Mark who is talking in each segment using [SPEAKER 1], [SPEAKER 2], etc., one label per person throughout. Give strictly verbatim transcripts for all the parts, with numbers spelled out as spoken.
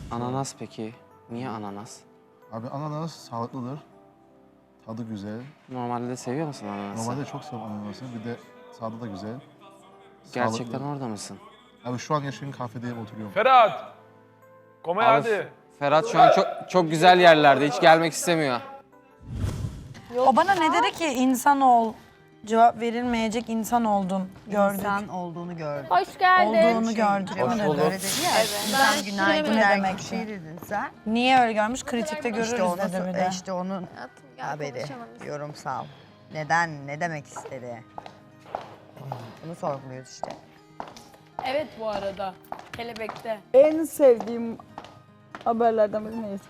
[SPEAKER 1] Ananas peki? Niye ananas?
[SPEAKER 2] Abi ananas sağlıklıdır. Tadı güzel.
[SPEAKER 1] Normalde de seviyor musun ananası?
[SPEAKER 2] Normalde çok seviyorum ananası. Bir de tadı da güzel.
[SPEAKER 1] Gerçekten
[SPEAKER 2] Sağlıklı.
[SPEAKER 1] orada mısın?
[SPEAKER 2] Abi şu an yaşadığım kafedeyim oturuyorum.
[SPEAKER 3] Ferhat! Komay
[SPEAKER 1] Abi,
[SPEAKER 3] hadi.
[SPEAKER 1] Ferhat şu an çok çok güzel yerlerde. Hiç gelmek istemiyor.
[SPEAKER 4] O bana ne dedi ki insan ol, cevap verilmeyecek insan oldun gördük.
[SPEAKER 5] İnsan olduğunu gördüm.
[SPEAKER 6] Hoş geldin.
[SPEAKER 4] Olduğunu gördük.
[SPEAKER 5] Hoş
[SPEAKER 4] Hoş
[SPEAKER 5] bulduk. Öyle dedi ya.
[SPEAKER 6] Ben
[SPEAKER 5] İnsan günaydın
[SPEAKER 4] ne
[SPEAKER 5] der
[SPEAKER 4] demek
[SPEAKER 5] gibi bir şey dedin sen.
[SPEAKER 4] Niye öyle görmüş? Kritikte görürüz
[SPEAKER 5] İşte onu,
[SPEAKER 4] dedi bir de.
[SPEAKER 5] işte onun
[SPEAKER 6] Hayatım, gel
[SPEAKER 5] haberi.
[SPEAKER 6] konuşalım biz.
[SPEAKER 5] Yorumsal. Neden, ne demek istedi? Bunu sorguluyoruz işte.
[SPEAKER 6] Evet bu arada. Kelebekte.
[SPEAKER 7] En sevdiğim haberlerden biri neyse.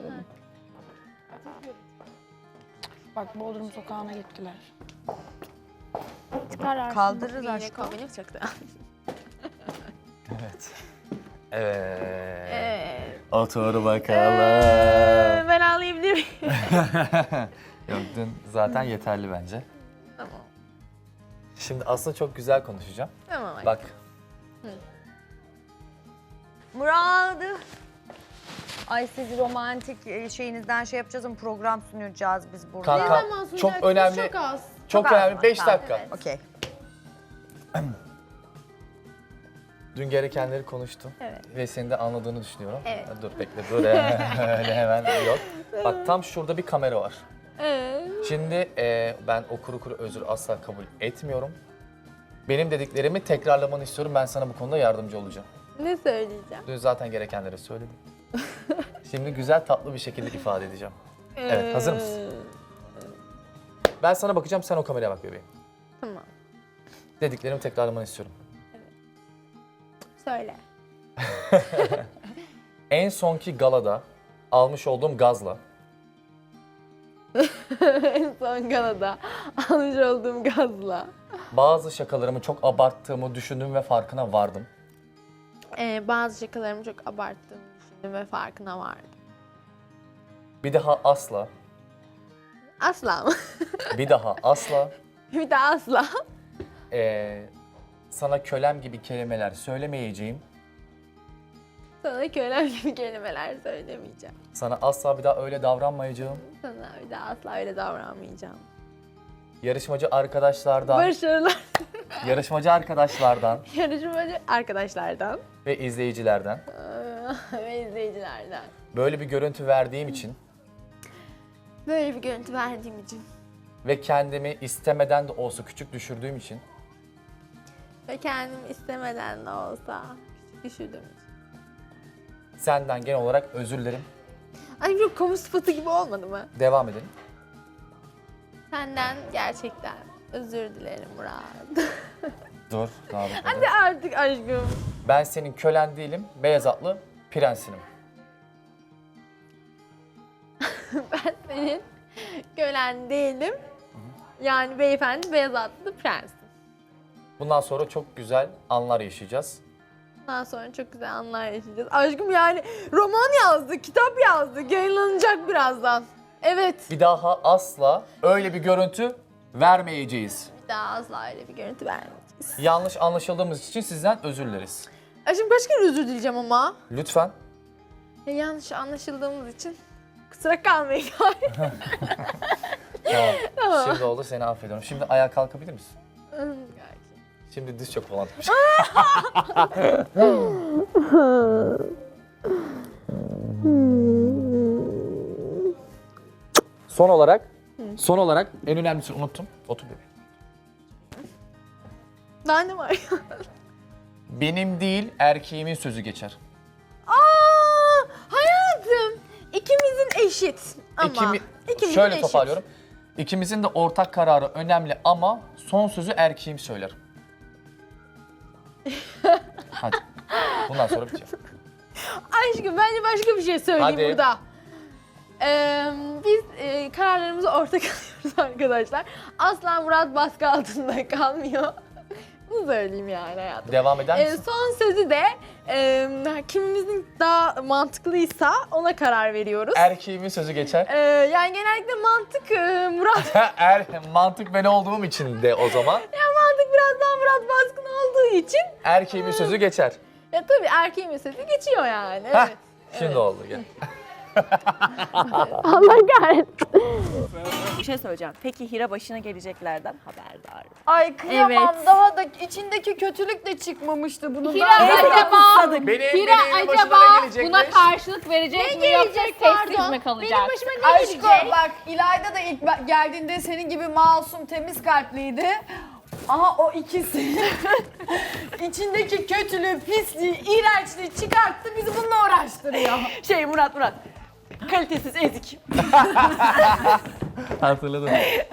[SPEAKER 4] Bak Bodrum sokağına gittiler.
[SPEAKER 6] Çıkar artık.
[SPEAKER 5] Kaldırırız
[SPEAKER 6] Yine
[SPEAKER 5] aşkım.
[SPEAKER 6] kombinim çıktı.
[SPEAKER 8] Evet. Evet.
[SPEAKER 6] Evet.
[SPEAKER 8] Otur bakalım.
[SPEAKER 6] Ee, ben ağlayabilir miyim?
[SPEAKER 8] Yok dün zaten yeterli bence.
[SPEAKER 6] Tamam.
[SPEAKER 8] Şimdi aslında çok güzel konuşacağım.
[SPEAKER 6] Tamam. hadi.
[SPEAKER 8] Bak
[SPEAKER 5] Murat. Ay siz romantik e, şeyinizden şey yapacağız ama program sunacağız biz burada.
[SPEAKER 8] kanka
[SPEAKER 6] Ne zaman
[SPEAKER 8] çok
[SPEAKER 6] sunacaksınız?
[SPEAKER 8] önemli.
[SPEAKER 6] Çok az.
[SPEAKER 8] Çok
[SPEAKER 5] Çok az
[SPEAKER 8] önemli
[SPEAKER 5] mı?
[SPEAKER 8] beş
[SPEAKER 5] Tamam,
[SPEAKER 8] dakika.
[SPEAKER 6] evet.
[SPEAKER 5] Okey.
[SPEAKER 8] Dün gerekenleri konuştum.
[SPEAKER 6] Evet.
[SPEAKER 8] Ve senin de anladığını düşünüyorum.
[SPEAKER 6] Evet.
[SPEAKER 8] Ha, Dur bekle dur öyle hemen yok. Bak tam şurada bir kamera var.
[SPEAKER 6] Evet.
[SPEAKER 8] Şimdi e, ben o kuru kuru özür asla kabul etmiyorum. Benim dediklerimi tekrarlamanı istiyorum. Ben sana bu konuda yardımcı olacağım.
[SPEAKER 6] Ne söyleyeceğim?
[SPEAKER 8] Dün zaten gerekenleri söyledim. Şimdi güzel tatlı bir şekilde ifade edeceğim. Evet, hazır mısın? Ben sana bakacağım, sen o kameraya bak bebeğim.
[SPEAKER 6] Tamam.
[SPEAKER 8] Dediklerimi tekrarlamanı istiyorum.
[SPEAKER 6] Söyle.
[SPEAKER 8] En sonki galada almış olduğum gazla
[SPEAKER 6] En son Gana'da almış olduğum gazla.
[SPEAKER 8] bazı şakalarımı çok abarttığımı düşündüm ve farkına vardım.
[SPEAKER 6] Ee, bazı şakalarımı çok abarttığımı düşündüm ve farkına vardım.
[SPEAKER 8] Bir daha asla,
[SPEAKER 6] Asla mı?
[SPEAKER 8] bir daha asla
[SPEAKER 6] Bir daha asla.
[SPEAKER 8] eee, sana kölem gibi kelimeler söylemeyeceğim.
[SPEAKER 6] Sana kölem gibi kelimeler söylemeyeceğim.
[SPEAKER 8] Sana asla bir daha öyle davranmayacağım.
[SPEAKER 6] Sana bir daha asla öyle davranmayacağım.
[SPEAKER 8] Yarışmacı arkadaşlardan,
[SPEAKER 6] Başarılar
[SPEAKER 8] yarışmacı arkadaşlardan
[SPEAKER 6] yarışmacı arkadaşlardan
[SPEAKER 8] ve izleyicilerden
[SPEAKER 6] eee, ve izleyicilerden.
[SPEAKER 8] böyle bir görüntü verdiğim için
[SPEAKER 6] Böyle bir görüntü verdiğim için
[SPEAKER 8] ve kendimi istemeden de olsa küçük düşürdüğüm için
[SPEAKER 6] ve kendimi istemeden de olsa küçük düşürdüğüm için.
[SPEAKER 8] senden genel olarak özür dilerim.
[SPEAKER 6] Ay çok kamu sıfatı gibi olmadı mı?
[SPEAKER 8] Devam edelim.
[SPEAKER 6] Senden gerçekten özür dilerim Murat.
[SPEAKER 8] Dur, daha bitmedi.
[SPEAKER 6] Hadi artık aşkım.
[SPEAKER 8] Ben senin kölen değilim, beyaz atlı prensinim.
[SPEAKER 6] Ben senin kölen değilim. Yani beyefendi beyaz atlı prens.
[SPEAKER 8] Bundan sonra çok güzel anlar yaşayacağız.
[SPEAKER 6] Ondan sonra çok güzel anlar yaşayacağız. Aşkım yani roman yazdı, kitap yazdı. Yayınlanacak birazdan. Evet.
[SPEAKER 8] Bir daha asla öyle bir görüntü vermeyeceğiz.
[SPEAKER 6] Bir daha asla öyle bir görüntü vermeyeceğiz.
[SPEAKER 8] Yanlış anlaşıldığımız için sizden özür dileriz.
[SPEAKER 6] Aşkım kaç kere özür dileyeceğim ama.
[SPEAKER 8] Lütfen.
[SPEAKER 6] Ya yanlış anlaşıldığımız için kusura kalmayın.
[SPEAKER 8] Tamam. Şimdi oldu, seni affediyorum. Şimdi ayağa kalkabilir misin? Şimdi diz çok falan. Son olarak, son olarak en önemlisini unuttum. Otur bebeğim.
[SPEAKER 6] Ben de var.
[SPEAKER 8] Benim değil, erkeğimin sözü geçer.
[SPEAKER 6] Aa, hayatım. İkimizin eşit. Ama
[SPEAKER 8] İkimi-
[SPEAKER 6] ikimizin
[SPEAKER 8] Şöyle
[SPEAKER 6] eşit.
[SPEAKER 8] toparlıyorum. İkimizin de ortak kararı önemli ama son sözü erkeğim söyler. Hadi. Bundan sonra bitiyor.
[SPEAKER 6] Aşkım bence başka bir şey söyleyeyim
[SPEAKER 8] Hadi.
[SPEAKER 6] burada. Ee, biz e, kararlarımızı ortak alıyoruz arkadaşlar. Asla Murat baskı altında kalmıyor. Bunu söyleyeyim yani hayatım.
[SPEAKER 8] Devam eder
[SPEAKER 6] Ee,
[SPEAKER 8] misin?
[SPEAKER 6] son sözü de e, kimimizin daha mantıklıysa ona karar veriyoruz.
[SPEAKER 8] Erkeğimin sözü geçer.
[SPEAKER 6] Ee, yani genellikle mantık e, Murat.
[SPEAKER 8] er, mantık ben olduğum için de o zaman
[SPEAKER 6] Ya mantık biraz daha Murat baskın olduğu için.
[SPEAKER 8] erkeğimin sözü geçer.
[SPEAKER 6] Ya tabii erkeğin sözü geçiyor yani.
[SPEAKER 8] Heh,
[SPEAKER 6] Evet.
[SPEAKER 8] Şimdi oldu gel.
[SPEAKER 6] Allah kahretsin.
[SPEAKER 9] Bir şey söyleyeceğim. Peki Hira başına geleceklerden haberdar.
[SPEAKER 7] Ay kıyamam,
[SPEAKER 6] Evet.
[SPEAKER 7] daha da içindeki kötülük de çıkmamıştı bunun.
[SPEAKER 6] Hira
[SPEAKER 7] daha.
[SPEAKER 6] acaba,
[SPEAKER 3] Benim,
[SPEAKER 6] Hira
[SPEAKER 3] benim başıma
[SPEAKER 6] acaba
[SPEAKER 3] ne gelecekmiş?
[SPEAKER 6] buna karşılık verecek mi yoksa sessiz mi kalacak? Benim başıma ne
[SPEAKER 7] Aşko bak, İlayda da ilk ba- geldiğinde senin gibi masum, temiz kalpliydi. Aha o ikisi içindeki kötülüğü, pisliği, iğrençliği çıkarttı, bizi bununla uğraştırıyor.
[SPEAKER 9] Şey Murat Murat. Kalitesiz ezik.
[SPEAKER 8] Hatırladım.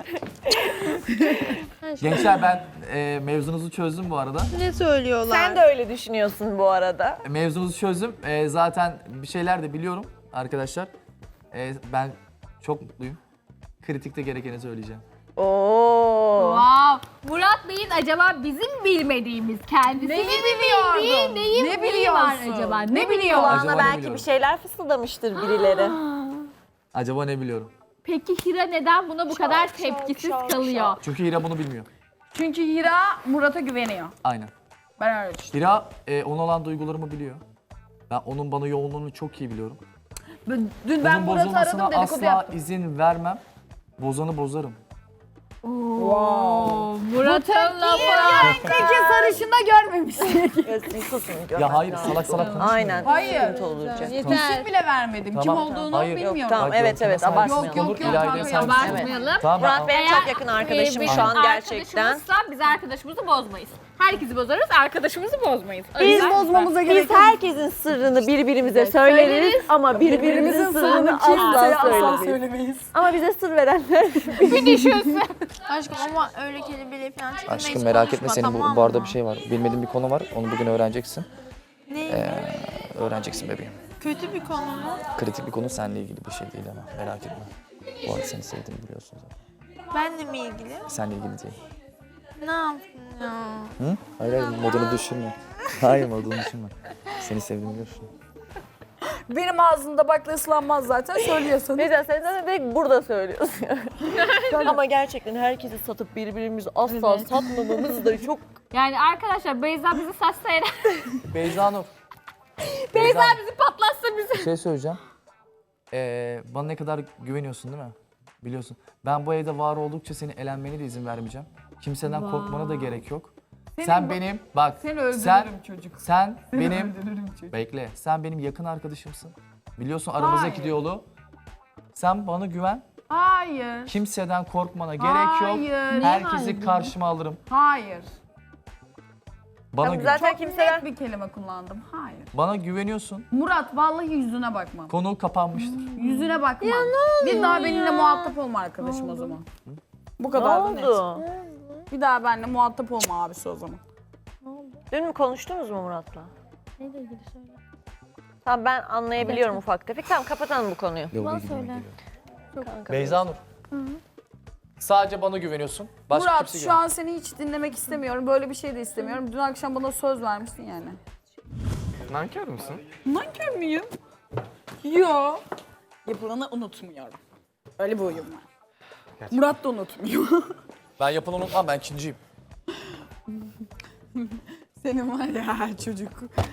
[SPEAKER 8] Gençler ben e, mevzunuzu çözdüm bu arada.
[SPEAKER 6] Ne söylüyorlar?
[SPEAKER 9] Sen de öyle düşünüyorsun bu arada.
[SPEAKER 8] Mevzunuzu çözdüm. E, zaten bir şeyler de biliyorum arkadaşlar. E, ben çok mutluyum. Kritikte gerekeni söyleyeceğim.
[SPEAKER 9] Oo.
[SPEAKER 6] Wow. Murat Bey'in acaba bizim bilmediğimiz kendisi
[SPEAKER 7] Neyi
[SPEAKER 6] mi
[SPEAKER 7] biliyordun?
[SPEAKER 6] bildiği, neyi,
[SPEAKER 7] Ne
[SPEAKER 6] neyi var
[SPEAKER 7] biliyorsun?
[SPEAKER 6] acaba?
[SPEAKER 7] Ne
[SPEAKER 6] Ne,
[SPEAKER 7] biliyorsun?
[SPEAKER 8] Acaba
[SPEAKER 9] Kulağına
[SPEAKER 8] ne
[SPEAKER 9] belki
[SPEAKER 8] biliyorum?
[SPEAKER 9] bir şeyler fısıldamıştır birileri.
[SPEAKER 8] Acaba ne biliyorum?
[SPEAKER 6] Peki Hira neden buna bu kadar tepkisiz kalıyor?
[SPEAKER 8] Çünkü Hira bunu bilmiyor.
[SPEAKER 7] Çünkü Hira Murat'a güveniyor.
[SPEAKER 8] Aynen.
[SPEAKER 7] Ben öyle düşünüyorum.
[SPEAKER 8] Hira e, ona olan duygularımı biliyor. Ben onun bana yoğunluğunu çok iyi biliyorum.
[SPEAKER 7] Dün, dün ben
[SPEAKER 8] Bunun
[SPEAKER 7] Murat'ı
[SPEAKER 8] bozulmasına
[SPEAKER 7] aradım, dedikodu
[SPEAKER 8] asla
[SPEAKER 7] yaptım.
[SPEAKER 8] izin vermem. Bozanı bozarım.
[SPEAKER 6] Murat'ın lafı.
[SPEAKER 7] Peki sarışında görmemiştik.
[SPEAKER 9] Gözünü susun.
[SPEAKER 8] Ya hayır salak salak konuşma.
[SPEAKER 9] Aynen.
[SPEAKER 7] Hayır.
[SPEAKER 9] Sıkıntı olacak.
[SPEAKER 7] İsim bile vermedim. Kim
[SPEAKER 8] Tamam.
[SPEAKER 7] olduğunu
[SPEAKER 8] Hayır.
[SPEAKER 7] bilmiyorum.
[SPEAKER 9] Yok, tamam.
[SPEAKER 8] Bak,
[SPEAKER 9] Evet, evet,
[SPEAKER 8] yok,
[SPEAKER 9] abartmayalım.
[SPEAKER 7] Yok, yok, yok,
[SPEAKER 8] İlayda'ya
[SPEAKER 7] kanka,
[SPEAKER 8] sen-
[SPEAKER 6] Abartmayalım.
[SPEAKER 8] Tamam ben
[SPEAKER 9] Murat benim çok yakın arkadaşım
[SPEAKER 6] Eğer
[SPEAKER 9] şu an
[SPEAKER 6] bizim
[SPEAKER 9] gerçekten.
[SPEAKER 6] arkadaşımızsa biz arkadaşımızı bozmayız. Herkesi bozarız, arkadaşımızı bozmayız. O
[SPEAKER 9] Biz
[SPEAKER 6] yüzden-
[SPEAKER 7] bozmamıza gerek
[SPEAKER 9] Biz herkesin sırrını birbirimize söyleriz,
[SPEAKER 6] söyleriz.
[SPEAKER 9] ama birbirimizin sırrını asla söylemeyiz.
[SPEAKER 7] söylemeyiz.
[SPEAKER 9] Ama bize sır verenler
[SPEAKER 6] bir düşünsün.
[SPEAKER 10] Aşkım ama öyle kelimeleri falan çıkma.
[SPEAKER 11] Aşkım merak etme, senin bu, bu arada bir şey var. Bilmediğin bir konu var. Onu bugün öğreneceksin.
[SPEAKER 10] Ne?
[SPEAKER 11] Ee, öğreneceksin bebeğim.
[SPEAKER 10] Kötü bir konu mu?
[SPEAKER 11] Kritik bir konu, seninle ilgili bir şey değil ama merak etme. Bu arada seni sevdiğimi biliyorsun zaten.
[SPEAKER 10] Benle mi ilgili?
[SPEAKER 11] Seninle ilgili değil.
[SPEAKER 10] Ne yaptın ya?
[SPEAKER 11] Hı? Hayır hayır, modunu düşürme. Hayır, modunu düşürme. Seni sevdiğimi biliyorsun.
[SPEAKER 7] Benim ağzımda bakla ıslanmaz zaten, söylüyorsun.
[SPEAKER 9] Neyse sen zaten direkt burada söylüyorsun. Ama gerçekten herkesi satıp birbirimizi asla satmamamız da çok...
[SPEAKER 6] Yani arkadaşlar Beyza bizi satsa eğer,
[SPEAKER 8] Beyza Nur.
[SPEAKER 6] Beyza bizi patlatsa bizi.
[SPEAKER 8] Bir şey söyleyeceğim. Ee, bana ne kadar güveniyorsun değil mi? Biliyorsun. Ben bu evde var oldukça seni elenmene de izin vermeyeceğim. Kimseden korkmana da gerek yok. sen benim, bak
[SPEAKER 7] Seni öldürürüm
[SPEAKER 8] sen,
[SPEAKER 7] çocuk.
[SPEAKER 8] sen
[SPEAKER 7] Seni
[SPEAKER 8] benim,
[SPEAKER 7] öldürürüm çocuk.
[SPEAKER 8] bekle, sen benim yakın arkadaşımsın. Biliyorsun aramızdaki
[SPEAKER 7] Hayır.
[SPEAKER 8] diyaloğu. Sen bana güven.
[SPEAKER 7] Hayır.
[SPEAKER 8] Kimseden korkmana gerek yok.
[SPEAKER 7] Hayır.
[SPEAKER 8] Herkesi karşıma alırım.
[SPEAKER 7] Hayır.
[SPEAKER 8] Bana
[SPEAKER 9] Tamam,
[SPEAKER 8] güven.
[SPEAKER 9] zaten
[SPEAKER 7] Çok
[SPEAKER 9] kimseler...
[SPEAKER 7] net bir kelime kullandım. Hayır.
[SPEAKER 8] Bana güveniyorsun.
[SPEAKER 7] Murat vallahi yüzüne bakmam.
[SPEAKER 8] Konu kapanmıştır.
[SPEAKER 7] Yüzüne bakmam. Bir daha benimle muhatap olma arkadaşım o zaman. Bu
[SPEAKER 9] Ne
[SPEAKER 7] kadar da net.
[SPEAKER 9] oldu?
[SPEAKER 7] Bir daha benimle muhatap olma abisi o zaman.
[SPEAKER 9] Dün mü konuştunuz mu Murat'la? Neyle ilgili söyle. Tamam ben anlayabiliyorum ufak tefek. Tamam kapatalım bu konuyu.
[SPEAKER 11] Bana söyle.
[SPEAKER 9] Kanka.
[SPEAKER 8] Beyza Nur. Sadece bana güveniyorsun. Başka
[SPEAKER 7] Murat
[SPEAKER 8] kimse
[SPEAKER 7] şu an seni hiç dinlemek istemiyorum. Böyle bir şey de istemiyorum. Dün akşam bana söz vermiştin yani.
[SPEAKER 3] Nankör müsün?
[SPEAKER 7] Nankör müyüm? Yo. Yapılanı unutmuyorum. Öyle bir huyum var. Murat da unutmuyor.
[SPEAKER 8] Ben yapanı unutmam, ben ikinciyim.
[SPEAKER 7] Senin var ya çocuk.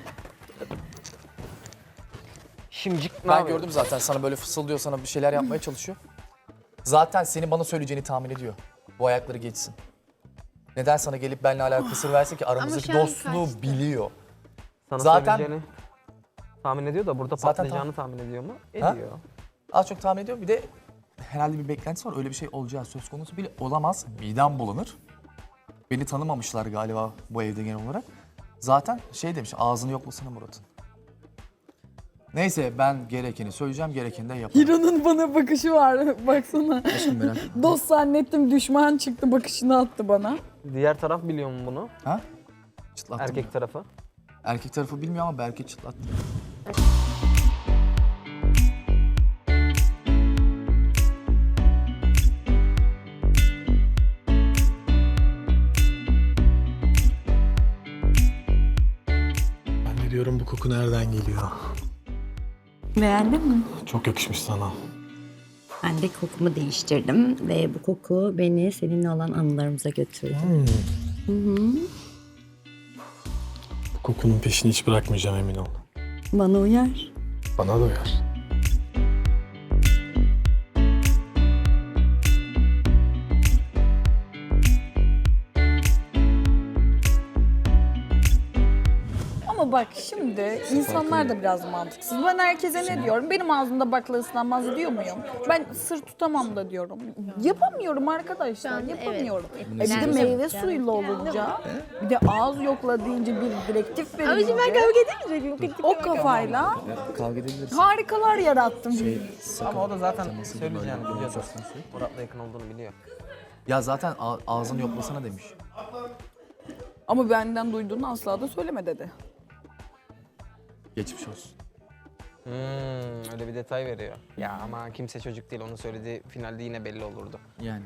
[SPEAKER 3] Şimdicik ne
[SPEAKER 8] Ben
[SPEAKER 3] yapıyor?
[SPEAKER 8] gördüm zaten sana böyle fısıldıyor, sana bir şeyler yapmaya çalışıyor. Zaten seni bana söyleyeceğini tahmin ediyor. Bu ayakları geçsin. Neden sana gelip benimle alakalı sır versin ki, aramızdaki
[SPEAKER 10] şu an
[SPEAKER 8] dostluğu
[SPEAKER 10] kaçtı.
[SPEAKER 8] biliyor.
[SPEAKER 3] Sana
[SPEAKER 8] Zaten-
[SPEAKER 3] söyleyeceğini tahmin ediyor da burada
[SPEAKER 8] Zaten
[SPEAKER 3] patlayacağını tahmin ediyor mu?
[SPEAKER 8] Ha?
[SPEAKER 3] Ediyor.
[SPEAKER 8] Az çok tahmin ediyorum. Bir de herhalde bir beklentisi var. Öyle bir şey olacağı söz konusu bile olamaz. Midem bulanır. Beni tanımamışlar galiba bu evde genel olarak. Zaten şey demiş, ağzını yoklasana Murat'ın. Neyse ben gerekeni söyleyeceğim, gerekeni de yaparım.
[SPEAKER 7] Hiro'nun bana bakışı var. Baksana.
[SPEAKER 11] Aşkım merak etme.
[SPEAKER 7] Dost zannettim, düşman çıktı, bakışını attı bana.
[SPEAKER 3] Diğer taraf biliyor mu bunu?
[SPEAKER 8] Ha? Çıtlattım
[SPEAKER 3] Erkek
[SPEAKER 8] ya.
[SPEAKER 3] tarafı.
[SPEAKER 8] Erkek tarafı bilmiyor ama belki çıtlattım.
[SPEAKER 12] Ben de diyorum bu koku nereden geliyor?
[SPEAKER 10] Beğendin mi?
[SPEAKER 12] Çok yakışmış sana.
[SPEAKER 10] Ben de kokumu değiştirdim ve bu koku beni seninle olan anılarımıza götürdü.
[SPEAKER 12] Bu kokunun peşini hiç bırakmayacağım, emin ol.
[SPEAKER 10] Bana uyar.
[SPEAKER 12] Bana da uyar.
[SPEAKER 7] Ama bak şimdi insanlar da biraz mantıksız. Ben herkese ne diyorum? Benim ağzımda bakla ıslanmaz diyor muyum? Ben sır tutamam da diyorum. Yapamıyorum arkadaşlar,
[SPEAKER 6] an
[SPEAKER 7] yapamıyorum.
[SPEAKER 6] evet.
[SPEAKER 7] E bir de
[SPEAKER 6] Yani-
[SPEAKER 7] meyve suyuyla olunca, bir de ağız yokla deyince bir direktif
[SPEAKER 6] Ama şimdi ben
[SPEAKER 7] verince
[SPEAKER 6] kavga edemeyecek miyim?
[SPEAKER 7] o kafayla
[SPEAKER 11] Ya, kavga edebiliriz.
[SPEAKER 7] harikalar yarattım.
[SPEAKER 8] Şey,
[SPEAKER 3] Ama o da zaten
[SPEAKER 8] teması gibi
[SPEAKER 3] söyleyeceğini
[SPEAKER 8] böyle
[SPEAKER 3] biliyordu.
[SPEAKER 8] söz konusu.
[SPEAKER 3] Murat'la yakın olduğunu biliyor.
[SPEAKER 8] Ya zaten a- ağzını yoklasana demiş.
[SPEAKER 7] Ama benden duyduğunu asla da söyleme dedi.
[SPEAKER 8] Geçmiş olsun.
[SPEAKER 3] Hmm, öyle bir detay veriyor. Ya ama kimse çocuk değil, onun söylediği finalde yine belli olurdu.
[SPEAKER 8] Yani.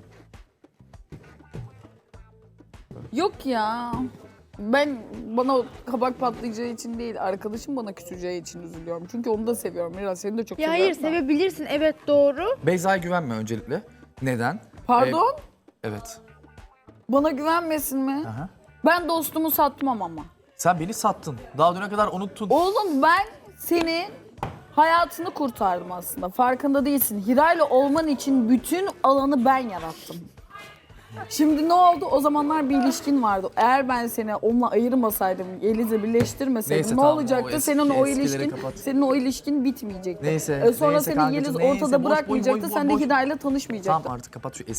[SPEAKER 7] Yok ya. Ben bana o kabak patlayacağı için değil, arkadaşım bana küseceği için üzülüyorum. Çünkü onu da seviyorum. Biraz seni de çok
[SPEAKER 6] Ya
[SPEAKER 7] seviyorum.
[SPEAKER 6] hayır
[SPEAKER 7] da.
[SPEAKER 6] sevebilirsin evet doğru.
[SPEAKER 8] Beyza'ya güvenme öncelikle. Neden?
[SPEAKER 7] Pardon?
[SPEAKER 8] Ee, evet.
[SPEAKER 7] Bana güvenmesin mi?
[SPEAKER 8] Aha.
[SPEAKER 7] Ben dostumu satmam ama.
[SPEAKER 8] Sen beni sattın. Daha düne kadar unuttun.
[SPEAKER 7] Oğlum ben senin hayatını kurtardım aslında. Farkında değilsin. Hira'yla olman için bütün alanı ben yarattım. Şimdi ne oldu? O zamanlar bir ilişkin vardı. Eğer ben seni onunla ayırmasaydım, Yeliz'le birleştirmeseydim
[SPEAKER 8] Neyse,
[SPEAKER 7] ne
[SPEAKER 8] tamam, o
[SPEAKER 7] olacaktı?
[SPEAKER 8] eski-
[SPEAKER 7] senin o
[SPEAKER 8] eskileri
[SPEAKER 7] ilişkin,
[SPEAKER 8] kapat.
[SPEAKER 7] senin o ilişkin bitmeyecekti.
[SPEAKER 8] Neyse,
[SPEAKER 7] E sonra
[SPEAKER 8] neyse
[SPEAKER 7] seni
[SPEAKER 8] kankacığım,
[SPEAKER 7] Yeliz
[SPEAKER 8] neyse.
[SPEAKER 7] ortada
[SPEAKER 8] Boş, boş,
[SPEAKER 7] bırakmayacaktı.
[SPEAKER 8] boş,
[SPEAKER 7] Sen de
[SPEAKER 8] boş.
[SPEAKER 7] Hira'yla tanışmayacaktın.
[SPEAKER 8] Tamam artık kapat şu